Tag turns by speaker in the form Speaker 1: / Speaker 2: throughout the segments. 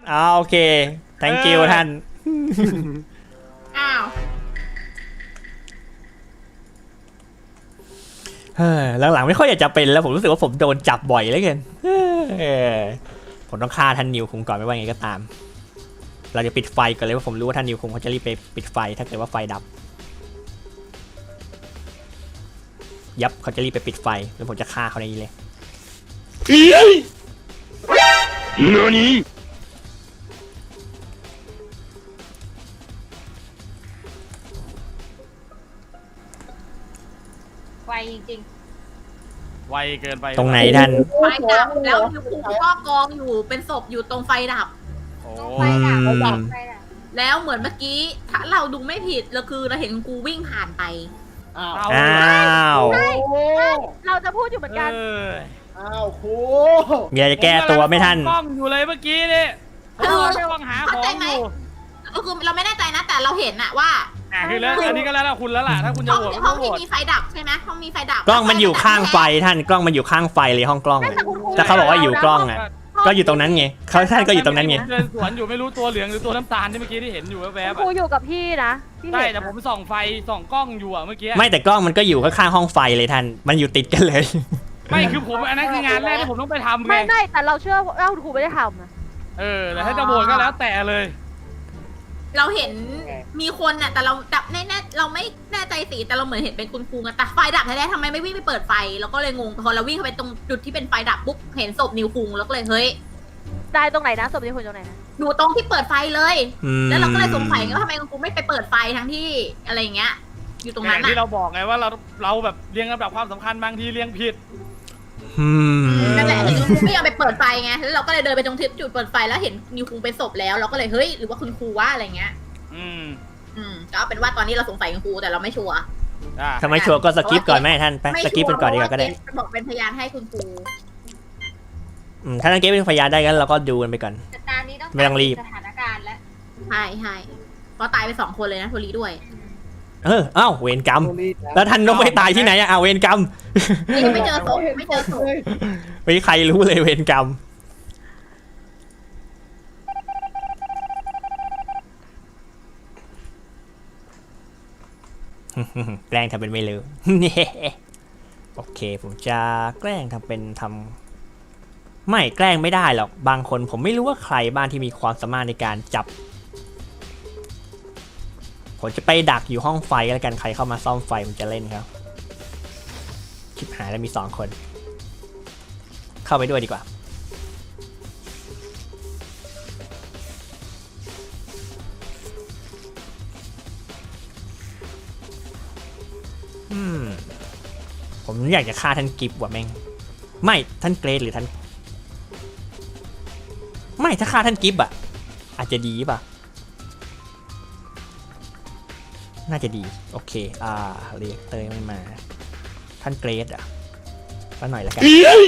Speaker 1: โอเค thank you ท่าน
Speaker 2: อ้าว
Speaker 1: หลังๆไม่ค่อยอยากจะเป็นแล้วผมรู้สึกว่าผมโดนจับบ่อยเหลือเกินผมต้องฆ่าท่านนิวคุงก่อนไม่ว่าไงก็ตาม เราจะปิดไฟก่อนเลยว่าผมรู้ว่าท่านนิวคุงเขาจะรีบไปปิดไฟถ้าเกิดว่าไฟดับยับเขาจะรีบไปปิดไฟแล้วผมจะฆ่าเขาในนี้เลย
Speaker 2: ไวจริง
Speaker 3: ไวเกินไป
Speaker 1: ตรงไหนท่าน
Speaker 2: ๆไฟดับแล้วนิวคุงก็กองอยู่เป็นศพอยู่ตรงไฟดับ
Speaker 3: โอ้
Speaker 2: ไฟดับแล้วเหมือนเมื่อกี้ถ้าเราดูไม่ผิดเราคือเราเห็นกูวิ่งผ่านไป
Speaker 4: อ้าว
Speaker 1: อ้าว
Speaker 4: โอ้
Speaker 5: เราจะพูดอยู่เหมือนกัน
Speaker 4: อ้าวครู
Speaker 1: มีอะไรจะแก้ตัวไหม่ท่าน
Speaker 3: กล้องอยู่เลยเมื่อกี้นี่
Speaker 2: คือ
Speaker 3: กล้องหาของอยู่
Speaker 2: ก็คือเราไม่แน่ใจนะแต่เราเห็นอะว่า
Speaker 3: คือแล้วอันนี้ก็แล้วคุณแล้วล่ะถ้าคุณจะ
Speaker 2: ห้อง
Speaker 3: โหวต
Speaker 2: ห้
Speaker 3: ก็
Speaker 2: อง
Speaker 3: โหว
Speaker 2: ที่
Speaker 3: ต
Speaker 2: มีไฟดับใช่ไหมห้องมีไฟดับ
Speaker 1: กล้องมันอยู่ข้างไฟท่านกล้องมันอยู่ข้างไฟเลยห้องกล้องอะแต่เขาบอกว่าอยู่กล้องอ่ะก็อยู่ตรงนั้นไงเขาท่านก็อยู่ตรงนั้นไง
Speaker 3: เดินสวนอยู่ไม่รู้ตัวเหลืองหรือตัวน้ำตาลที่เมื่อกี้ที่เห็นอยู่แวบ
Speaker 5: ครูอยู่กับพี่นะพี่
Speaker 3: ใช่
Speaker 5: เห็น
Speaker 3: แต่ผมส่องไฟส่องกล้องอยู่อะเมื่อกี้
Speaker 1: ไม่แต่กล้องมันก็อยู่ข้างๆห้องไฟเลยท่านมันอยู่ติดกันเลย
Speaker 3: ไม่คือผมอันนั้นคืองานแรกที่ผมต้องไปทำไง
Speaker 5: ไม่แต่เราเชื่อว่าครูไม่ได้ทำนะ
Speaker 3: แต่ถ้าจะโหวตก็แล้วแต่เลย
Speaker 2: เราเห็นมีคนน่ะแต่เราดับแน่ๆเราไม่แน่ใจสีแต่เราเหมือนเห็นเป็นคุณครูกันแต่ไฟดับแท้ๆทำไมไม่วิ่งไปเปิดไฟเราก็เลยงงพอเราวิ่งเข้าไปตรงจุดที่เป็นไฟดับปุ๊บเห็นศพนิวคุงแล้วก็เลยเฮ้ย
Speaker 5: ได้ตรงไหนนะศพนี้คนตรงไหนนะ
Speaker 2: อยู่ตรงที่เปิดไฟเลย
Speaker 1: อืม
Speaker 2: แล้วเราก็เลยสงสัยไงว่าทำไมคุณครูไม่ไปเปิดไฟทั้งที่อะไรอย่างเงี้ย อยู่ตรงนั้น
Speaker 3: ที่
Speaker 2: น่ะ
Speaker 3: เราบอกไงว่าเราแบบเรียงลำดับความสำคัญบางทีเรียงผิด
Speaker 1: อืม
Speaker 2: นั่นแหละคือคุณครูไม่ยอมไปเปิดไฟไงแล้วเราก็เลยเดินไปตรงที่จุดเปิดไฟแล้วเห็นนิวคุงเป็นศพแล้วเราก็เลยเฮ้ยหรือว่าคุณครูว่าอะไรเงี้ย ก็เอาเป็นว่าตอนนี้เราสงสัยคุณครูแต่เราไม่ชัวร์
Speaker 1: ทำไมชัวร์ก็สกิปก่อนไหมท่านไปสกิปเป็นก่อนดีกว่าก็ได้
Speaker 2: บอกเป็นพยานให้คุณครู
Speaker 1: ถ้าท่านเก็บเป็นพยานได้กันเราก็ดูกันไปก่อน
Speaker 2: แต่ตอนนี้ต้อง
Speaker 1: ไม่ต้องรีบ
Speaker 2: สถานการณ์แล้วใช่เพราะตายไป2 คนเลยนะโทรีด้วย
Speaker 1: อ้าวเวรกรรมแล้วท่านนกไปตายที่ไหนอะเวรกรรม
Speaker 2: นี่ไม่เจอศพไม่เจอศพ
Speaker 1: ไม่มีใครรู้เลยเวรกรรมแกล้งทำเป็นไม่รู้ โอเคผมจะแกล้งทำเป็นไม่แกล้งไม่ได้หรอกบางคนผมไม่รู้ว่าใครบ้างที่มีความสามารถในการจับผมจะไปดักอยู่ห้องไฟก็แล้วกันใครเข้ามาซ่อมไฟผมจะเล่นครับชิบหายแล้วมี2 คนเข้าไปด้วยดีกว่าผมอยากจะฆ่าท่านกิฟต์ว่ะแม่งไม่ท่านเกรดหรือท่านไม่ถ้าฆ่าท่านกิฟต์อ่ะอาจจะดีป่ะน่าจะดีโอเคเรียกเตยไม่มาท่านเกรดอ่ะก็หน่อยละกัน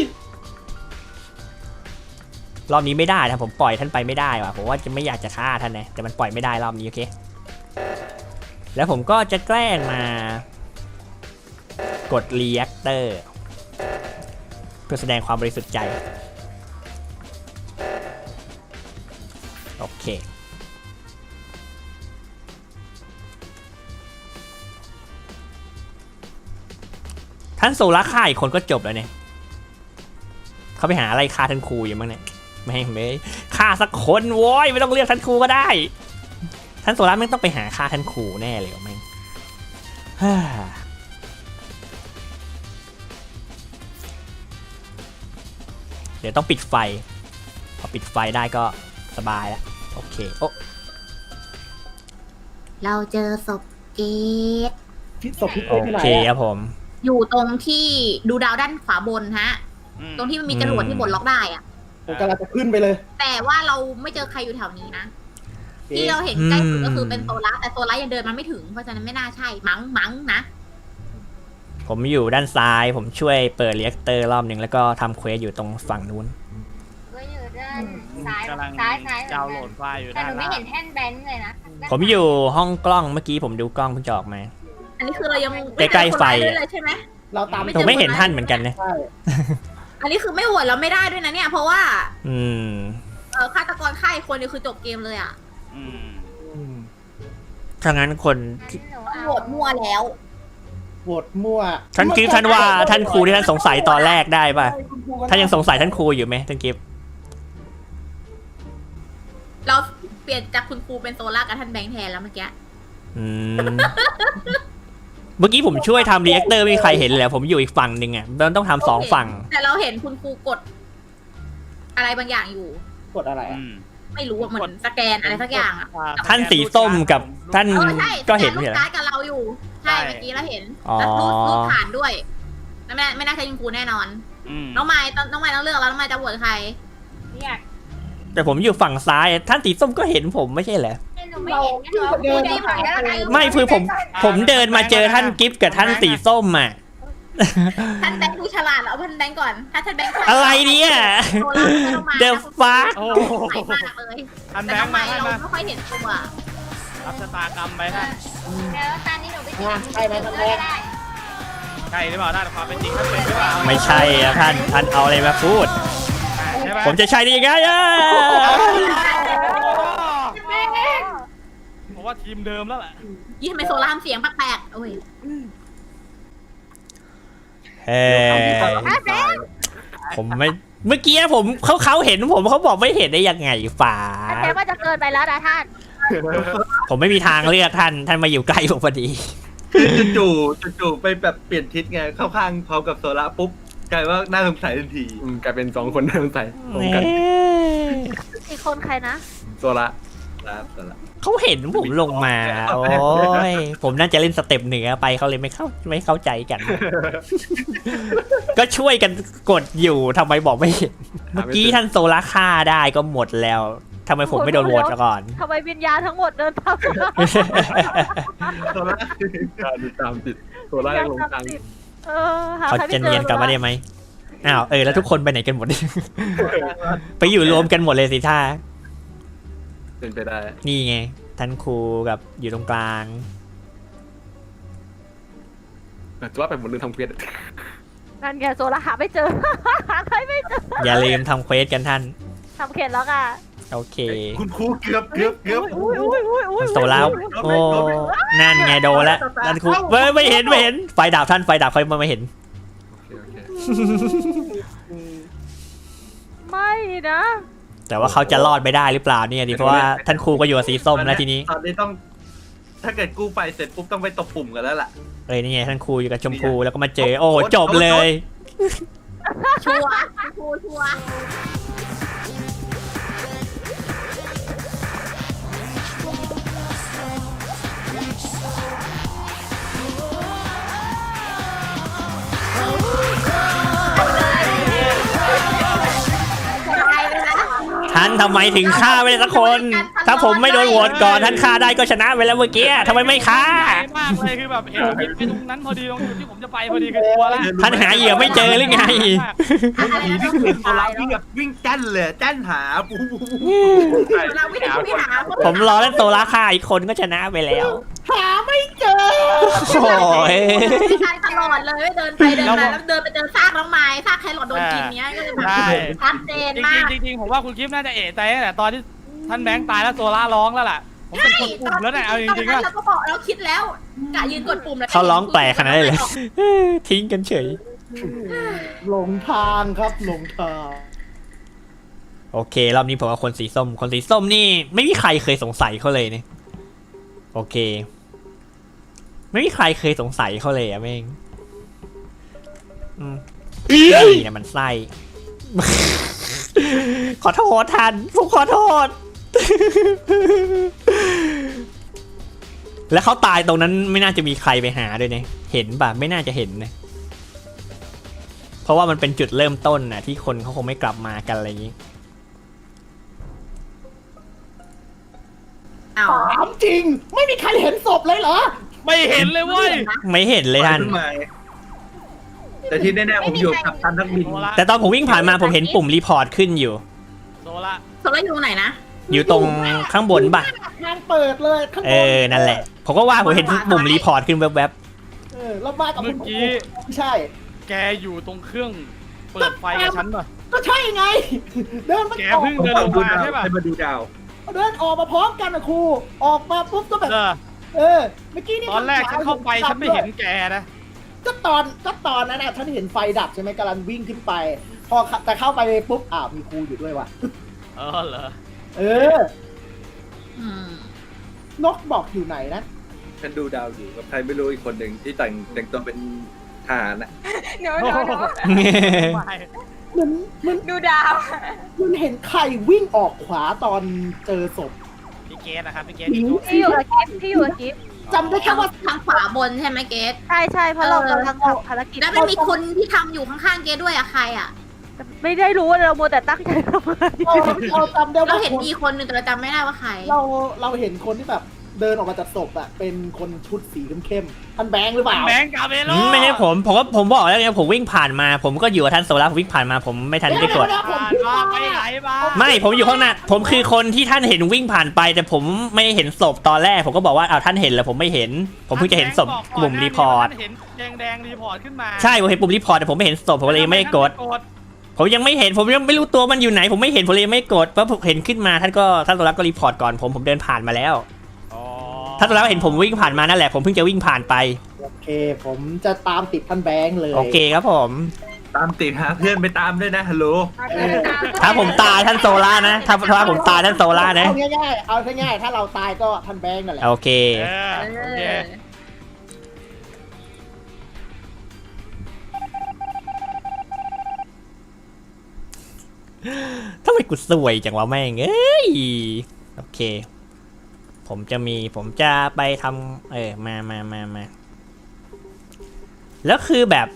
Speaker 1: รอบนี้ไม่ได้นะผมปล่อยท่านไปไม่ได้ว่ะผมว่าจะไม่อยากจะฆ่าท่านนะแต่มันปล่อยไม่ได้รอบนี้โอเคแล้วผมก็จะแกล้งมากดรีแอคเตอร์เพื่อแสดงความบริสุทธิ์ใจโอเคท่านโซล่าฆ่าอีกคนก็จบแล้วเนี่ยเขาไปหาอะไรฆ่าท่านครูอยู่มั้งเนี่ยไม่ฆ่าสักคนโว้ยไม่ต้องเรียกท่านครูก็ได้ท่านโซล่าไม่ต้องไปหาฆ่าท่านครูแน่เลยแม่งเดี๋ยวต้องปิดไฟพอปิดไฟได้ก็สบายแล้วโอเคโอ้
Speaker 2: เราเจอศพเกต
Speaker 4: ศพพี่
Speaker 1: โอ
Speaker 4: เต้ที่ไหน
Speaker 1: เคครับผม
Speaker 2: อยู่ตรงที่ดูดาวด้านขวาบนฮะ ตรงที่มันมีจรวดที่บดล็อกได้อะ
Speaker 4: ผมกำลังจะขึ้นไปเลย
Speaker 2: แต่ว่าเราไม่เจอใครอยู่แถวนี้นะที่เราเห็นใกล้สุดก็คือเป็นโซล่าแต่โซล่ายังเดินมาไม่ถึงเพราะฉะนั้นไม่น่าใช่มั้งนะ
Speaker 1: ผมอยู่ด้านซ้ายผมช่วยเปิดเรียกเตอร์รอบหนึ่งแล้วก็ทำเควสอยู่ตรงฝั่งนู้น
Speaker 6: ก็อยู่ด้านซ้าย
Speaker 3: กำลัง
Speaker 6: ซ้าย
Speaker 3: ดาวน์โหลดไฟล์อยู่
Speaker 6: แต่
Speaker 3: ด้า
Speaker 6: ห
Speaker 3: น
Speaker 6: นูไม่
Speaker 3: ล่าง
Speaker 6: เห็นแท่นแบงค์เลยนะ
Speaker 1: ผมอยู่ห้องกล้องเมื่อกี้ผมดูกล้องเพิ่งจะออกมา
Speaker 2: อันนี้คือเรายัง
Speaker 1: ใกล้ๆไฟ
Speaker 2: ม่เจอคนร้ายด้วยเลยใช่ไหม
Speaker 4: เราตาม
Speaker 1: ผมไม่เห็นท่านเหมือนกันนะ
Speaker 4: ใช่
Speaker 2: อันนี้คือไม่โหวตเราไม่ได้ด้วยนะเนี่ยเพราะว่า
Speaker 1: อืม
Speaker 2: ฆาตกรฆ่าอีกคนนี่คือจบเกมเลยอ่ะ
Speaker 3: อืม
Speaker 1: ถ้างั้นคน
Speaker 6: งั้นหนู
Speaker 2: โห
Speaker 6: เอา
Speaker 2: วตมั่วแล้ว
Speaker 4: โหวตมั่ว
Speaker 1: ท่านกิฟต์ท่านว่าท่านครูที่ท่านสงสัยตอนแรกได้ป่ะท่านยังสงสัยท่านครูอยู่ไหมท่านกิฟต์
Speaker 2: เราเปลี่ยนจากคุณครูเป็นโซล่ากับท่านแบงค์แทนแล้วเมื่อกี้
Speaker 1: อืมเมื่อกี้ผมช่วยทำรีแอคเตอร์ไม่มีใครเห็นเลยผมอยู่อีกฝั่งหนึ่งอ่ะมันต้องทำสองฝั่ง
Speaker 2: แต่เราเห็นคุณครูกด อะไรบางอย่างอยู่
Speaker 4: กดอะไรอ่ะ
Speaker 2: ไม่รู้ว่าเหมือนสแกนอะไรสักอย่างอ่ะ
Speaker 1: ท่านสีส้มกับท่าน
Speaker 2: ใช่
Speaker 1: ก็เห็น
Speaker 2: สแก
Speaker 1: ไม่
Speaker 2: ลู
Speaker 1: ใช่
Speaker 2: ก
Speaker 1: เหรอ
Speaker 2: การ์ดกับเราอยู่ ใช่เมื่อกี้เราเห็น
Speaker 1: อ๋อ
Speaker 2: แล้วรูปฐานด้วยไม่น่าใช่คุณครูแน่นอน น้องไม้ต้องเลือกแล้วน้องไม้จะโหวตใคร
Speaker 6: เนี่ย
Speaker 1: แต่ผมอยู่ฝั่งซ้ายท่านสีส้มก็เห็นผมไม่ใช่เหรอ
Speaker 6: หนูไม่เห็นงั้นหนูเอา
Speaker 4: เดิ
Speaker 6: พูด
Speaker 4: น
Speaker 6: ได้ไหมได้ไหม
Speaker 1: ไม่คือผมเดินมาเจอท่านกิฟต์กับท่านสีส้มอ่ะ
Speaker 2: ท่านแบงค์ดูฉลาดแล้วท่านแบงค์ก่อน ถ้าท่านแบงค์ก่อน
Speaker 1: อะไรเนี่ย
Speaker 2: โซล่าไม่ต้องมา
Speaker 1: The fuck
Speaker 3: โอ้
Speaker 2: ใหม่มากเลย
Speaker 3: ท่าน
Speaker 2: แต่
Speaker 3: แบง
Speaker 2: ทำ
Speaker 3: ค์
Speaker 2: ไม
Speaker 3: มาท่าน
Speaker 2: เรา
Speaker 3: มา
Speaker 2: ไม่ค่อยเห็นตัว
Speaker 3: รับชะตากรรมไปท่าน
Speaker 6: เดี๋ยวตอนนี้หนูไปติด
Speaker 4: ใช่ไหมท่านแบงค์
Speaker 6: ได้
Speaker 3: ใช่หรือเปล่าท่านความเป็นจริงท่านเป็นหรือเปล่า
Speaker 1: ไม่ใช่อะท่านเอาอะไรมาพูด
Speaker 3: ใช่ไหม
Speaker 1: ผมจะใช่ได้ยังไงอะ
Speaker 3: ผมว่าทีมเดิมแล้วแหละ
Speaker 2: ยี่ทำไมโซล่าทำเสียงแปลกๆโอ้ย
Speaker 1: เฮ้ผมไม่เมื่อกี้ผมเขาเห็นผมเขาบอกไม่เห็นได้ยังไงฝา
Speaker 5: อันนี้ว่าจะเกินไปแล้วนะท่าน
Speaker 1: ผมไม่มีทางเลือกท่านมาอยู่ใกล้ผมพอดี
Speaker 7: คือจู่ๆไปแบบเปลี่ยนทิศไงเข้าข้างพร้อมกับโซล่าปุ๊บกลายว่าน่าสงสัยทันที
Speaker 8: กลายเป็นสองคนน่าสงสัยตรงกัน
Speaker 5: อีกคนใครนะ
Speaker 8: โซละ
Speaker 7: ครับโซล่า
Speaker 1: เขาเห็นผมลงมา โอ้ยผมน่าจะเล่นสเต็ปเหนือไปเขาเลยไม่เข้าใจกัน ก็ช่วยกันกดอยู่ทำไมบอกไม่เห็นเมื่อกี้ท่านโซล่าฆ่าได้ก็หมดแล้วทำไมผมไม่โดนโหวตก่อน
Speaker 5: ทำไมวิญญาณทั้งหมดเดินตาม
Speaker 7: โซล่า
Speaker 8: ตามติดโซละยังหลงทาง
Speaker 5: หา
Speaker 1: เขา
Speaker 5: ใครไม่
Speaker 1: จะ
Speaker 5: เจ
Speaker 1: เนีย
Speaker 5: อน
Speaker 1: กลับมาได้ไหมอ้าวแล้วทุกคนไปไหนกันหมด ไปอยู่รวมกันหมดเลยสิท่า
Speaker 8: เป็นไปได้
Speaker 1: นี่ไงท่านครูกับอยู่ตรงกลาง
Speaker 8: แต่ว่าเป็นบนเรื่องทำเควส
Speaker 5: นั่นไงโซล่าหาไม่เจอ หาใครไม่เจอ
Speaker 1: อย่าลืมทำเควสกันท่าน
Speaker 5: ทำเข็ดแล้วค่ะ
Speaker 1: โอเค
Speaker 7: คุณครูเกือบ
Speaker 5: อุ้ย
Speaker 1: โซล่าโอ้นั่นไงโดนแล้วท่านครูไม่เห็นไฟดับท่านไฟดับเขาไม่เห็น
Speaker 8: โอเค
Speaker 5: ไม่นะ
Speaker 1: แต่ว่าเขาจะรอดไปได้หรือเปล่าเนี่ยดิเพราะว่าท่านครูก็อยู่กับสีส้มแล้วทีนี้
Speaker 7: ตอนนี้ต้อง ถ้าเกิดกู้ไฟเสร็จปุ๊บต้องไปตบปุ่มกันแล้วล่ะ
Speaker 1: นี่ไงท่านครูอยู่กับชมพูแล้วก็มาเจอโอ้จบเลย
Speaker 2: ชัวร์ครูชัวร์
Speaker 1: ท่านทำไมถึงฆ่าไม่ได้สักคน ถ้าผมไม่โดนโหวตก่อนท่านฆ่าได้ก็ชนะไปแล้วเมื่อกี้ทำไมไม่ฆ่า
Speaker 3: ใหญ่มากเลยคือแบบเห็นผิดไปตรงนั้นพอดีตรงจุดที่ผมจะไปพอดีคือตัวละ
Speaker 1: ท่านหาเหยื่อไม่เจอหรือไง
Speaker 7: ผีที่เห็นโซล่าวิ่งแบบวิ่งแจ้นเลยแจ้นหาปุ๊บ
Speaker 2: เราไม่ได้หา
Speaker 1: ผมรอเล่นโซล่าฆ่าอีกคนก็ชนะไปแล้ว
Speaker 4: หาไม่เจอ
Speaker 1: โอ้ย
Speaker 2: การตลอดเลยเดินไปเดินมาแล้วเดินไปเจอซากน้องไม้ซากแครอทโดนกินเนี้ยก็เลยแบบ
Speaker 3: ใช่
Speaker 2: ชัดเจนมาก
Speaker 3: จริงๆผมว่าคุณกิฟต์น่าจะเอะใจตั้งแต่ตอนที่ท่านแบงค์ตายแล้วโซล่าร้องแล้วล่ะผมเป็นคนปุ่มแล้วเนี่ยเอาจริงๆ
Speaker 2: ตอ
Speaker 3: ว่าน
Speaker 2: นั้นเราก็บอกเราคิดแล้วกะยืนกดปุ่มแล้ว
Speaker 1: เขาร้องแปลกขนาดนั้นเลย ทิ้งกันเฉย
Speaker 4: หลงทางครับหลงทาง
Speaker 1: โอเครอบนี้ผมว่าคนสีส้มนี่ไม่มีใครเคยสงสัยเขาเลยเนี่ยโอเค ไม่มีใครเคยสงสัยเขาเลยอะแม่งนี่นะมันไส้ ขอโทษท่านผมขอโทษ แล้วเขาตายตรงนั้นไม่น่าจะมีใครไปหาด้วยเนี่ยเห็นป่ะไม่น่าจะเห็นนะเพราะว่ามันเป็นจุดเริ่มต้นน่ะที่คนเขาคงไม่กลับมากันอะไรอย่างนี้
Speaker 2: อ้าว
Speaker 4: ถามจริง ไม่มีใครเห็นศพเลยเหรอ
Speaker 3: ไม่เห็นเลยเว้ย
Speaker 1: ไม่เห็นเลยท่าน
Speaker 7: ขึ้นมาแต่ที่แน่ๆผมอยู่กับท่านนักบิน
Speaker 3: โซล่า
Speaker 1: แต่ตอนผมวิ่งผ่านมาผมเห็นปุ่มรีพอร์ตขึ้นอยู่
Speaker 3: โซล่า
Speaker 2: โซล่าอยู่ตรงไหนนะ
Speaker 1: อยู่ตรงข้างบนป่ะ
Speaker 4: ทางเปิดเลยข้างบน
Speaker 1: นั่นแหละ ผมก็ว่าผมเห็นปุ่มรีพอร์ตขึ้นแวบ
Speaker 4: แล้วมากับ
Speaker 3: เมื่
Speaker 4: คุ
Speaker 3: อ
Speaker 4: ณครู
Speaker 3: กี้
Speaker 4: ไม่ใช่
Speaker 3: แกอยู่ตรงเครื่องเปิดไฟกับฉันป่ะ
Speaker 4: ก็ใช่ไง เดินมา
Speaker 3: แก
Speaker 4: ออก
Speaker 3: เพิ่งเดินลงมาใช่ป่ะ
Speaker 7: ให้มาดูดาว
Speaker 4: เดินออกมาพร้อมกันนะครูออกมาปุ๊บก็แบบ เมื่อกี้นี่
Speaker 3: ตอนแรกฉันเข้าไปฉันไม่เห็นแกนะ
Speaker 4: ก็ตอนนั้นนะฉันเห็นไฟดับใช่ไหมกำลังวิ่งขึ้นไป พอแต่เข้าไปปุ๊บมีครูอยู่ด้วยว่ะ
Speaker 3: เออเหรอ
Speaker 4: เออ
Speaker 2: อืม
Speaker 4: นกบอกอยู่ไหนนะ
Speaker 7: ฉันดูดาวอยู่กับใครไม่รู้อีกคนหนึ่งที่แต่งตัวเป็นทหารนะ
Speaker 6: เดี๋ยว
Speaker 3: ไม่
Speaker 4: มัน
Speaker 6: ดูดาว
Speaker 4: มันเห็นใครวิ่งออกขวาตอนเจอศพ
Speaker 3: พี่เกสนะครับพี่เกส
Speaker 4: หญิง
Speaker 5: ที่อยู่กับกิฟที่อยู่กับกิฟ
Speaker 4: จำได้แค่ว่า
Speaker 2: ทางขวาบนใช่ไหมเกส
Speaker 5: ใช่ใช่เพราะเรากำลังทำภารกิจ
Speaker 2: แล้วมันมีคนที่ทำอยู่ข้างๆเกสด้วยอะใครอะ
Speaker 5: ไม่ได้รู้ว่าเราโมวแต่ตั้งใจทำอะไร
Speaker 4: เราจำได้
Speaker 2: เรา
Speaker 4: ว่า
Speaker 2: เห็นมีคนหนึ่งแต่เราจำไม่ได้ว่าใคร
Speaker 4: เราเห็นคนที่แบบเดินออกมาจากศพอะเป็นคนชุดสีเข้มๆท่านแบงค์หรือเปล่า
Speaker 3: แบงค์กาเบโล
Speaker 1: ไม่ใช่ผมบอกแล้วไงผมวิ่งผ่านมา ผมก็อยู่กับท่านโซล่าผมวิ่งผ่านมาผมไม่ทันได้กด
Speaker 4: เดี๋ยว
Speaker 3: ผ่าน
Speaker 4: ผม
Speaker 3: มาไปไหนมา
Speaker 1: ไม่ผมอยู่ข้างหน้าผมคือคนที่ท่านเห็นวิ่งผ่านไป แต่ผมไม่เห็นศพตอนแรกผมก็บอกว่าท่านเห็นแล้วผมไม่เห็น ผมเพิ่งจะเห็นศพปุ่มรีพอร์ต
Speaker 3: เห็นแดงรีพอร์ตขึ้นมา
Speaker 1: ใช่ผมเห็นปุ่มรีพอร์ตแต่ผมไม่เห็นศพผมเลยยังไม่ได้กด ผมยังไม่เห็นผมยังไม่รู้ตัวมันอยู่ไหน ผมไม่เห็นผมเลยไม่กดเพราะผมเห็นขึ้นมาท่านโซล่าก็รีพอร์ตก่อนผมเดินผ่านมาแล้ว
Speaker 3: อ๋อ
Speaker 1: ท่านโซล่าเห็นผมวิ่งผ่านมานั่นแหละผมเพิ่งจะวิ่งผ่านไป
Speaker 4: โอเค ผมจะตามติดท่านแบงค์เลย
Speaker 1: โอเคครับผม
Speaker 7: ตามติดหาเพื่อนไปตามด้วยนะฮัลโหล
Speaker 1: ถ้าผมตายท่านโซล่านะถ้าผมตายท่านโซล่านะ
Speaker 4: เอาง่ายๆถ้าเราตายก็ท่านแบงค์นั่นแหละ
Speaker 1: โอเค
Speaker 3: โอเค
Speaker 1: ทำไมกูสวยจังวะแม่งเอ้ยโอเค ผมจะไปทำมาแล้วคือแบบ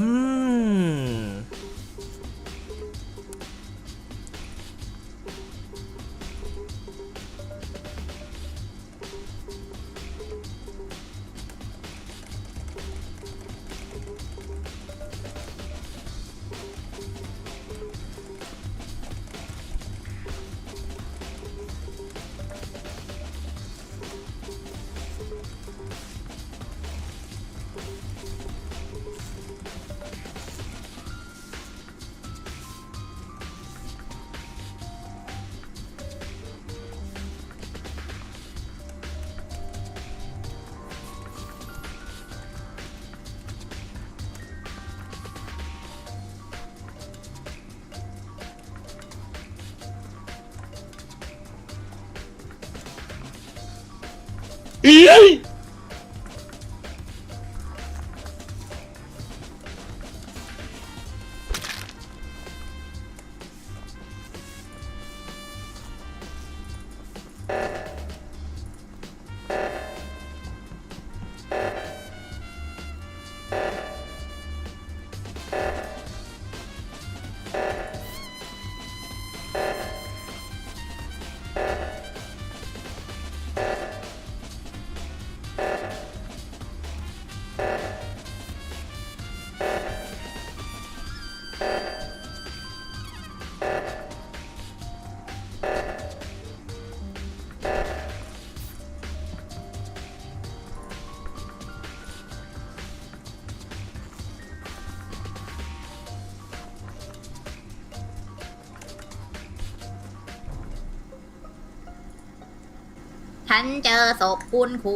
Speaker 2: ฉันเจอศพคุณครู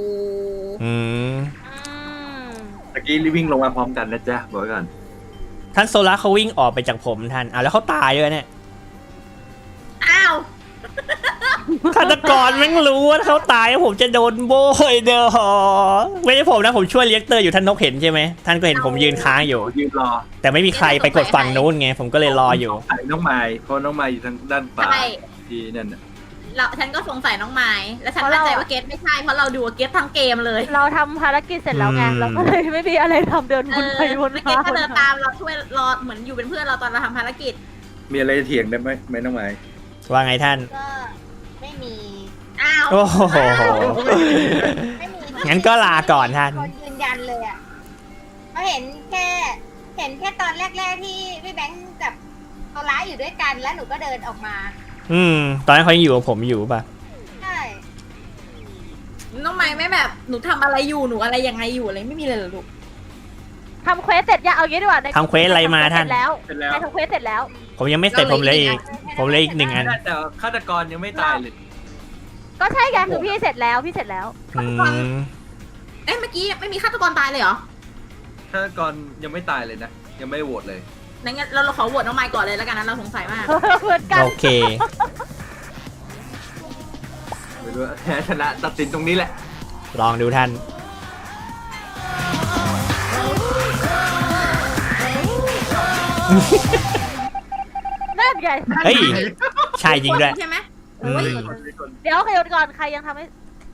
Speaker 7: ตะกี้รีบวิ่งลงมาพร้อมกันนะจ๊ะบอกไว้ก่อน
Speaker 1: ท่านโซล่าเขาวิ่งออกไปจากผมท่านแล้วเขาตายด้วยเนี่ย
Speaker 2: อ้าว
Speaker 1: ฆาตกรแม่งรู้ว่าเขาตายแล้วผมจะโดนโบยเด้อไม่ใช่ผมนะผมช่วยเลี้ยงเตอร์อยู่ท่านนกเห็นใช่ไหมท่านก็เห็นผมยืนค้างอยู่
Speaker 7: ยืนรอ
Speaker 1: แต่ไม่มีใครไปกดฝั่งนู้นไงผมก็เลยรออยู่
Speaker 7: ใส่น้องไม้เพราะน้องไม้อยู่ทางด้านขวา
Speaker 2: ใช่
Speaker 7: ที่นั่นน่ะ
Speaker 2: ฉันก็สงสัยน้องไม้แล้วฉันมั่นใจว่าเกสไม่ใช่เพราะเราดูเกสทั้งเกมเลย
Speaker 5: เราทำภารกิจเสร็จแล้วไงเราก็เลยไม่มีอะไรทำเดินวนไปวน
Speaker 2: เก
Speaker 5: มา
Speaker 2: สก็เดินตามเราช่วยรอเหมือนอยู่เป็นเพื่อนเราตอนเราทำภารกิจ
Speaker 7: มีอะไรเถียงได้ไหมน้องไม้
Speaker 1: ว่าไงท่าน
Speaker 6: ก็ไม่มี
Speaker 2: อ้าว
Speaker 1: โอ้โห
Speaker 6: ไม่มี
Speaker 1: งั้นก็ลาก่อนท่าน
Speaker 6: คนยืนยันเลยอ่ะเพราะเห็นแค่ตอนแรกๆที่พี่แบงค์กับโซล่าอยู่ด้วยกันแล้วหนูก็เดินออกมา
Speaker 1: ตอนนั้นเขายังอยู่กับผมอยู่ป่ะ
Speaker 6: ใช่
Speaker 2: น้องไม้ไม่แบบหนูทำอะไรอยู่หนูอะไรยังไงอยู่อะไรไม่มีเลยเหรอลูก
Speaker 5: ทำเควสเสร็จยังเอางี้ดีกว่า
Speaker 1: ทำเควสอะไรมาท่าน
Speaker 5: เสร็จแล้ว
Speaker 7: เสร็จแล้ว
Speaker 5: ใครทำเควสเสร็จแล้ว
Speaker 1: ผมยังไม่เสร็จผมเลยอีก ผมเลยอีก 1 อัน
Speaker 7: แต่ฆาตกรยังไม่ตายเลย
Speaker 5: ก็ใช่ไงคือพี่เสร็จแล้วพี่เสร็จแล้ว
Speaker 1: อืม
Speaker 2: เอ๊ะเมื่อกี้ไม่มีฆาตกรตายเลยเหรอ
Speaker 7: ฆาตกรยังไม่ตายเลยนะ ยังไม่โหวตเลย
Speaker 2: งั้นเราขอโหวตน้องไมค์ก่อนเลยแล้วกันนะเราสงสัยมาก
Speaker 5: เหมือนกัน
Speaker 1: โอเค
Speaker 7: ไม่รู้ว่าแพ้ชนะตัดสินตรงนี้แหละ
Speaker 1: ลองดูท่าน
Speaker 5: นั่นไง
Speaker 1: เฮ้ย ใช่จริงด้วย
Speaker 2: ใช่ไหม
Speaker 1: อืม
Speaker 2: โอ้ย
Speaker 5: เดี๋ยวใครก่อนใครยังทำไม่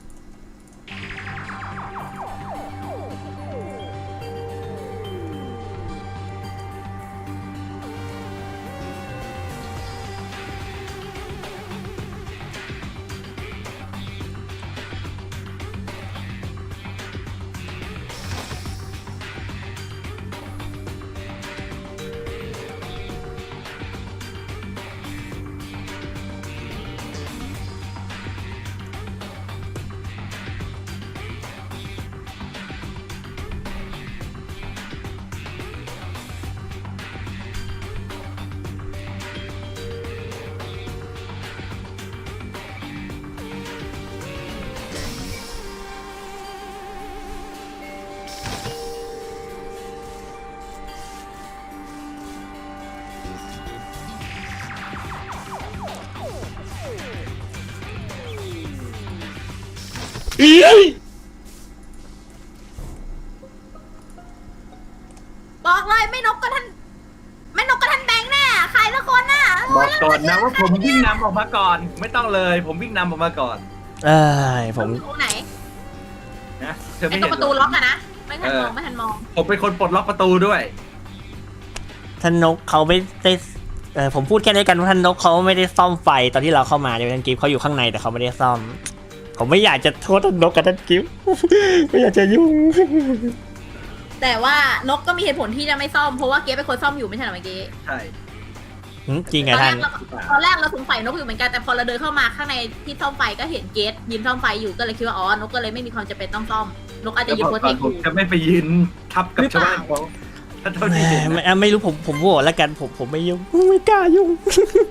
Speaker 2: บอกเลยไม่นกก็ท่านแบงค์แน่ใครละคนน่ะ
Speaker 7: บอกก่อนนะว่าผมวิ่งนำออกมาก่อน ไม่ต้องเลย ผมวิ่งนำออกมาก่อน
Speaker 1: เอ้ยผม
Speaker 2: ตรงไหน
Speaker 7: นะเธอ
Speaker 2: ไอ้
Speaker 7: ไม่
Speaker 2: ตร
Speaker 7: เห็
Speaker 2: ง
Speaker 7: น
Speaker 2: ประตู
Speaker 7: เหร
Speaker 2: ล็
Speaker 7: อ
Speaker 2: อกอะนะไม่ทันมองไม่ทันมอง
Speaker 7: ผมเป็นคนปลดล็อกประตูด้วย
Speaker 1: ท่านนกเขาไม่ได้ผมพูดแค่นี้กันว่าท่านนกเขาไม่ได้ซ่อมไฟตอนที่เราเข้ามาเนี่ยท่านกิฟต์เขาอยู่ข้างในแต่เขาไม่ได้ซ่อม ผมไม่อยากจะโทษท่านนกกับท่านกิฟต์ ไม่อยากจะยุ่ง
Speaker 2: แต่ว่านกก็มีเหตุผลที่จะไม่ซ่อมเพราะว่าเก๊เป็นคนซ่อมอยู่ไม่ใช่เหรอเมื่อกี้
Speaker 7: ใช่
Speaker 1: จริงไง
Speaker 2: ตอนแร
Speaker 1: ท่าก น
Speaker 2: เราสงสัยนกอยู่เหมือนกันแต่พอเราเดินเข้ามาข้างในที่ซ่อมไฟก็เห็นเกสยืนซ่อมไฟอยู่ก็เลยคิดว่าอ๋อนกก็เลยไม่มีความจำเป็นต้องซ่อมนกอาจจะยืนโพสเทค
Speaker 7: ผ
Speaker 2: อ
Speaker 7: ม
Speaker 2: ยู่
Speaker 7: จะไม่ไปยืนทับกับชาวบ้านเขาถ้าเท่าที่เห็นนะ
Speaker 1: ไม่รู้ผมโหวตแล้วกันผมไม่ยุ่งไม่กล้ายุ่ง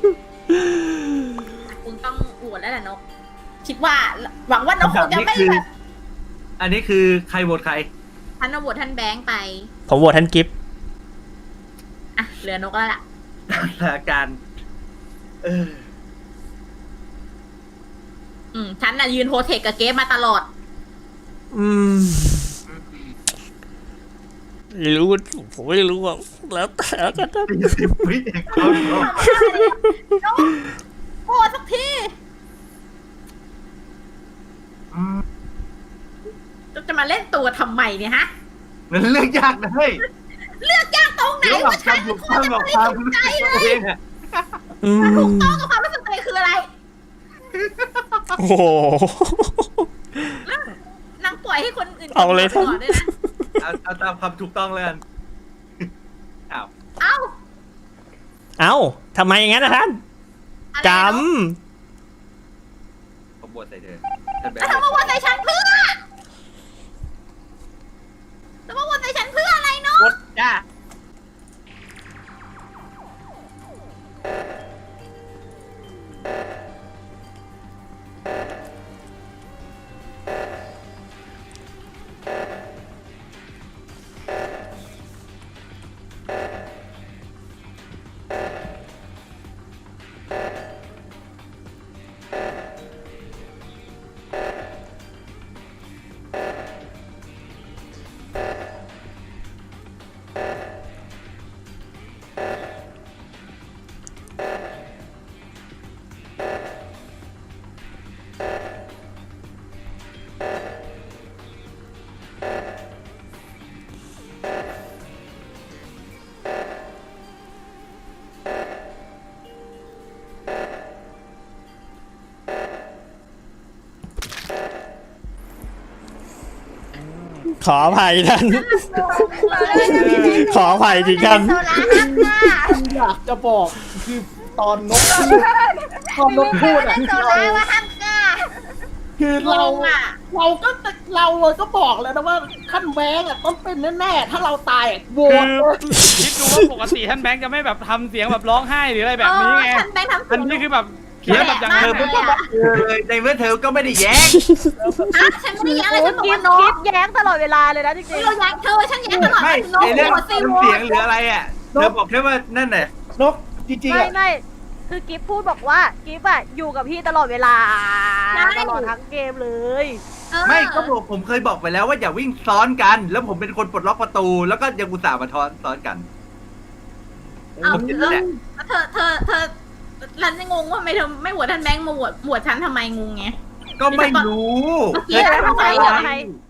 Speaker 2: คุณต้องอวดแล้วแหละนก คิดว่าหวังว่านกคงจะไม่แบบ
Speaker 7: อันนี้คือใครโหวตใคร
Speaker 2: ท่านอวดท่านแบงค์ไป
Speaker 1: ผมโหวตท่านกิฟต์
Speaker 2: อ่ะเหลือนกแล้วล่ะ
Speaker 7: สถานการณ์
Speaker 2: ฉันน่ะยืนโฮเทคกับเกสมาตลอด
Speaker 1: ไม่รู้ผมไม่รู้ว่าแล้วแต่กัน
Speaker 7: 10 วิเองเขาบอก
Speaker 2: นกโหดสักทีจะมาเล่นตัวทำไมเนี่ยฮะ
Speaker 7: มันเรื่องยากนะเฮ้ย
Speaker 2: เลือกยากตรงไหน
Speaker 7: เรื่องหลั
Speaker 2: ว่าก ฉั
Speaker 7: กาน ร
Speaker 2: เป็
Speaker 7: ถู
Speaker 2: น
Speaker 7: ก
Speaker 2: คน
Speaker 7: ต้อง
Speaker 2: จะ
Speaker 7: หลัก
Speaker 2: ไม่
Speaker 7: ความ
Speaker 2: สน
Speaker 7: รู้
Speaker 2: ใจ
Speaker 7: สึก
Speaker 2: เล
Speaker 7: ตัวย เองอะ
Speaker 2: ถูกต้องกับความรู้สึกตัวเองคืออะไร
Speaker 1: โอ้โห
Speaker 2: นางปล่อยให้คนอื่น
Speaker 1: เอาเลย
Speaker 2: ก่อนด้วยนะ
Speaker 7: เอาตามความถูกต้องเลยกันอ้าว
Speaker 2: เอ้า
Speaker 1: เอ้าทำไมอย่างนั้นนะท่าน
Speaker 2: อะไร
Speaker 1: กรร
Speaker 2: เน
Speaker 1: ม
Speaker 2: อะ
Speaker 7: ผมบวชใส่เธอท่านแบง
Speaker 2: แล้ว
Speaker 7: ค์
Speaker 2: ทำมาวนใส่ฉันเพื่อแล้วมาวนใส่ฉันเพื่ออะไรเนาะ
Speaker 7: กดจ้า
Speaker 1: ขออภัยท่าน ขออภัยจริงท่าน
Speaker 6: โซล่าฮักก้า
Speaker 4: อยากจะบอกคือตอนนกพูดตอนนกพูดอ่ะ
Speaker 6: โซล่าว่าฮักก้า
Speaker 4: คือเรา
Speaker 2: งงอ่ะ
Speaker 4: เราก็บอกแล้วนะว่าท่านแบงค์อ่ะต้องเป็นแน่ๆถ้าเราตายอะโหวตเลย
Speaker 3: คิดดูว่าปกติท่านแบงค์จะไม่แบบทำเสียงแบบร้องไห้หรืออะไรแบบนี้ไง
Speaker 2: ท่านแบงค์ทำ
Speaker 3: อันนี้คือแบบเขียนแบบอย่าง
Speaker 7: เธ
Speaker 3: นั้
Speaker 7: อน ไม่ต้องมาเลยในเมื่อเธอก็ไม่ได้แย้ง
Speaker 2: ฉันไม่ได้แย้งเลยฉันบอก
Speaker 5: กิ
Speaker 2: ว่า
Speaker 5: ฟ
Speaker 2: น้อง
Speaker 5: กิฟแย้งตลอดเวลาเลยนะจริง
Speaker 2: เราแย้งเธอฉันแย้งตลอด
Speaker 7: ไม่
Speaker 2: น้อง
Speaker 7: ในเรื่อง
Speaker 2: หัวซี
Speaker 7: ทำ
Speaker 2: โร่
Speaker 7: เสียงหรืออะไรอ่ะเธอบอกแค่ว่านั่นแหละ
Speaker 4: นกจริงๆ
Speaker 5: ไม่
Speaker 4: อ่ะ
Speaker 5: ไม่คือกิฟพูดบอกว่ากิฟอะอยู่กับพี่ตลอดเวลาตลอดทั้งเกมเลย
Speaker 7: ไม่ก็บอกผมเคยบอกไปแล้วว่าอย่าวิ่งซ้อนกัน แล้วผมเป็นคนปลดล็อกประตู แล้วก็ยังอุตส่าห์มาซ้อนกัน
Speaker 2: เอา
Speaker 7: ผมคิดนั่นแหละ
Speaker 2: เธอรันจะงงว่าไม่เธอไม่โหวตท่านแบงค์มาโหวตฉันทำไมงงไง
Speaker 7: ก็ไม่รู้
Speaker 2: เมื่อกี้อะไรทำไม
Speaker 5: ใคร